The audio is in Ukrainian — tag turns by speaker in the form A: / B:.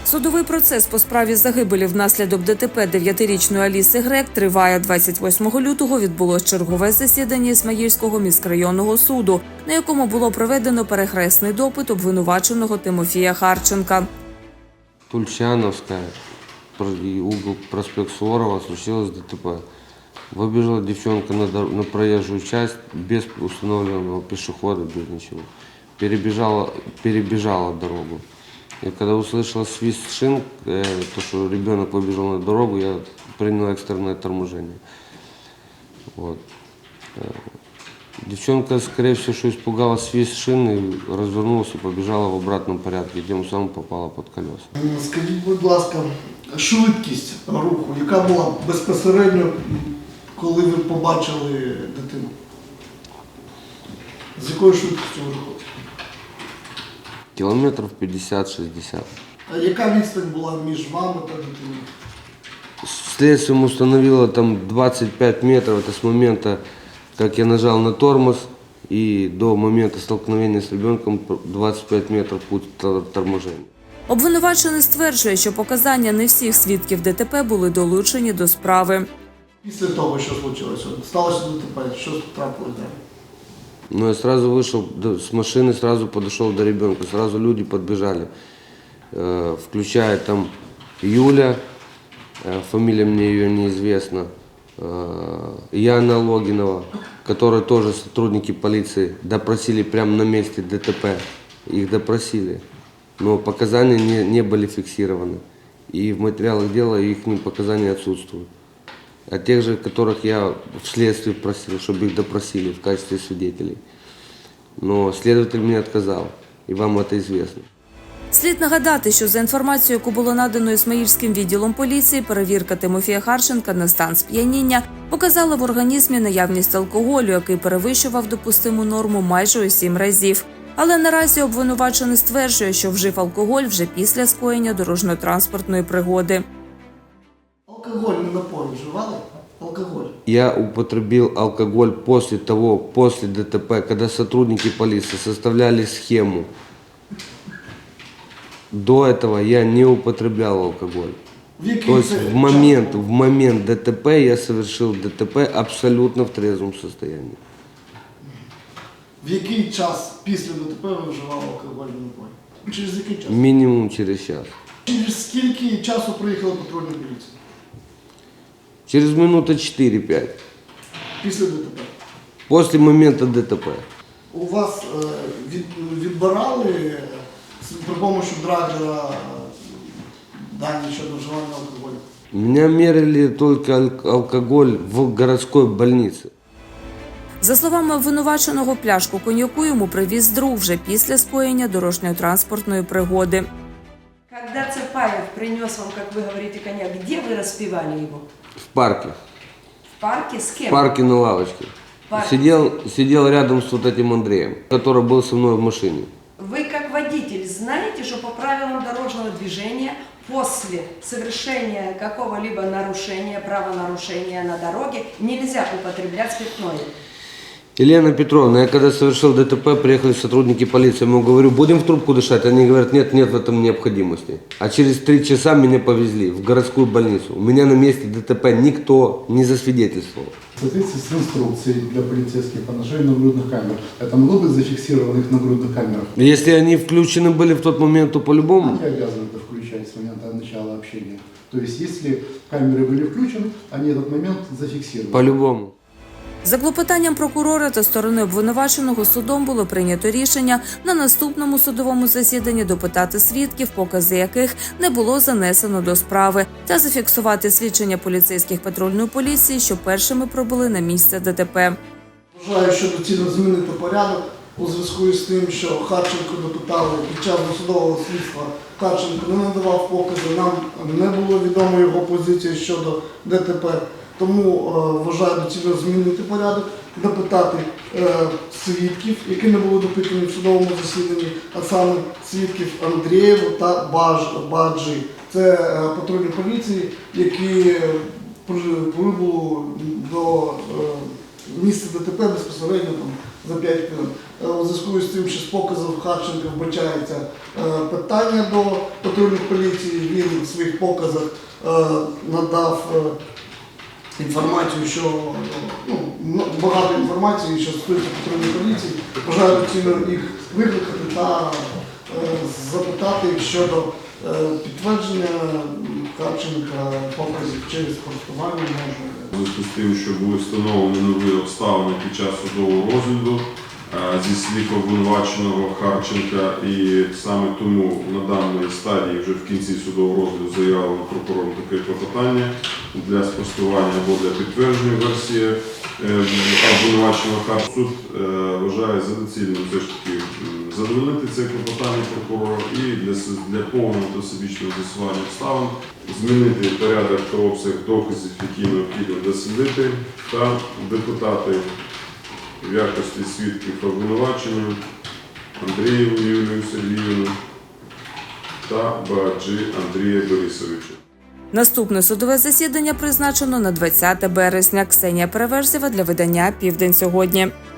A: Судовий процес по справі загибелі внаслідок ДТП 9-річної Аліси Грек триває. 28 лютого відбулось чергове засідання Ісмаїльського міськрайонного суду, на якому було проведено перехресний допит обвинуваченого Тимофія Харченка.
B: Тульчановская, угол проспект Суворова, случилось ДТП. Выбежала девчонка на проезжую часть без установленного пешехода, без ничего. Перебежала дорогу. И когда услышала свист шин, то, что ребенок выбежал на дорогу, я принял экстренное торможение. Вот. Девчонка, скорее всего, что испугалась свист шин и развернулась и побежала в обратном порядке, тем самым попала под колеса.
C: Скажіть, будь ласка, швидкість руху, яка була безпосередньо, коли ви побачили дитину? З якою швидкістю ви рухалися?
B: Километров 50-60.
C: А яка відстань була між вами та дитиною?
B: Следствием установило там 25 метров, это с момента, как я нажал на тормоз, и до момента столкновения с ребенком 25 метров путь торможения.
A: Обвинувачений стверджує, що показання не всіх свідків ДТП були долучені до справи.
C: Після того, що случилося, сталося ДТП, що трапилось далі?
B: Но я сразу вышел с машины, сразу подошел до ребенка, сразу люди подбежали, включая там Юля, фамилия мне ее неизвестна, Яна Логинова, которые тоже сотрудники полиции допросили прямо на месте ДТП, их допросили, но показания не были фиксированы, и в материалах дела их показания отсутствуют. А тех же, которых я вследствие просил, чтобы их допросили в качестве свидетелей. Но следователь мне отказал, и вам это известно.
A: Слід нагадати, що за інформацією, яку було надано Ісмаїльським відділом поліції, перевірка Тимофія Харченка на стан сп'яніння показала в організмі наявність алкоголю, який перевищував допустиму норму майже у 7 разів. Але наразі обвинувачений стверджує, що вжив алкоголь вже після скоєння дорожньо-транспортної пригоди.
C: Алкогольні напої вживали? Алкоголь?
B: Я употребил алкоголь после ДТП, когда сотрудники полиции составляли схему. До этого я не употреблял алкоголь. То есть в момент ДТП я совершил ДТП абсолютно в трезвом состоянии.
C: В який час після ДТП ви вживали алкогольні напої? Через який час?
B: Минимум через час.
C: Через скільки часу приїхала патрульна поліція?
B: Через минуты 4-5.
C: Після ДТП?
B: После момента ДТП.
C: У вас відбирали при помощі драгера дані щодо вживання алкоголю?
B: Меня мерили только алкоголь в городской больнице.
A: За словами обвинуваченого, пляшку коньяку йому привіз друг вже після скоєння дорожньо-транспортної пригоди.
D: Когда Цепаев принес вам, как вы говорите, коньяк, где вы распивали его?
B: В парке.
D: В парке с кем?
B: В парке на лавочке.
D: Парке.
B: Сидел рядом с вот этим Андреем, который был со мной в машине.
D: Вы, как водитель, знаете, что по правилам дорожного движения после совершения какого-либо нарушения, правонарушения на дороге нельзя употреблять спиртное?
B: Елена Петровна, я когда совершил ДТП, приехали сотрудники полиции, я ему говорю, будем в трубку дышать? Они говорят, нет в этом необходимости. А через 3 часа меня повезли в городскую больницу. У меня на месте ДТП никто не засвидетельствовал.
E: В соответствии с инструкцией для полицейских по ношению нагрудных камер, это могло быть зафиксировано их нагрудных камерах?
B: Если они включены были в тот момент, то по-любому.
E: Они обязаны это включать с момента начала общения. То есть, если камеры были включены, они этот момент зафиксировали.
B: По-любому.
A: За клопотанням прокурора та сторони обвинуваченого судом було прийнято рішення на наступному судовому засіданні допитати свідків, покази яких не було занесено до справи, та зафіксувати свідчення поліцейських патрульної поліції, що першими прибули на місце ДТП.
C: Вважаю, що доцільно змінити порядок у зв'язку з тим, що Харченко допитали під час досудового слідства. Харченко не надавав покази, нам не було відомо його позиції щодо ДТП. Тому вважаю доцільно змінити порядок, допитати свідків, які не були допитані в судовому засіданні, а саме свідків Андрієву та Баджі. Це патрульні поліції, які прибули до місця ДТП безпосередньо там, за 5 хвилин. У зв'язку з тим, що з показів Харченка вбачається питання до патрульних поліції, він в своїх показах надав інформацію, що багато інформації, що стосується патрульної поліції. Бажаю доцільно їх викликати та запитати щодо підтвердження Харченка показів через користування можливо.
F: У зв'язку з тим, що були встановлені нові обставини під час судового розгляду зі слів обвинуваченого Харченка, і саме тому на даній стадії вже в кінці судового розгляду заявлено прокурором таке клопотання для спростування або для підтвердження версії обвинуваченого Харченка. Суд вважає за доцільним все ж таки задовольнити це клопотання прокурора і для повного та всебічного з'ясування обставин змінити порядок та обсяг доказів, які необхідно дослідити, та допитати в якості свідків обвинувачення Андрієву Юлію Сергіївну та Багаджі Андрія Борисовича.
A: Наступне судове засідання призначено на 20 березня. Ксенія Переверзєва для видання «Південь сьогодні».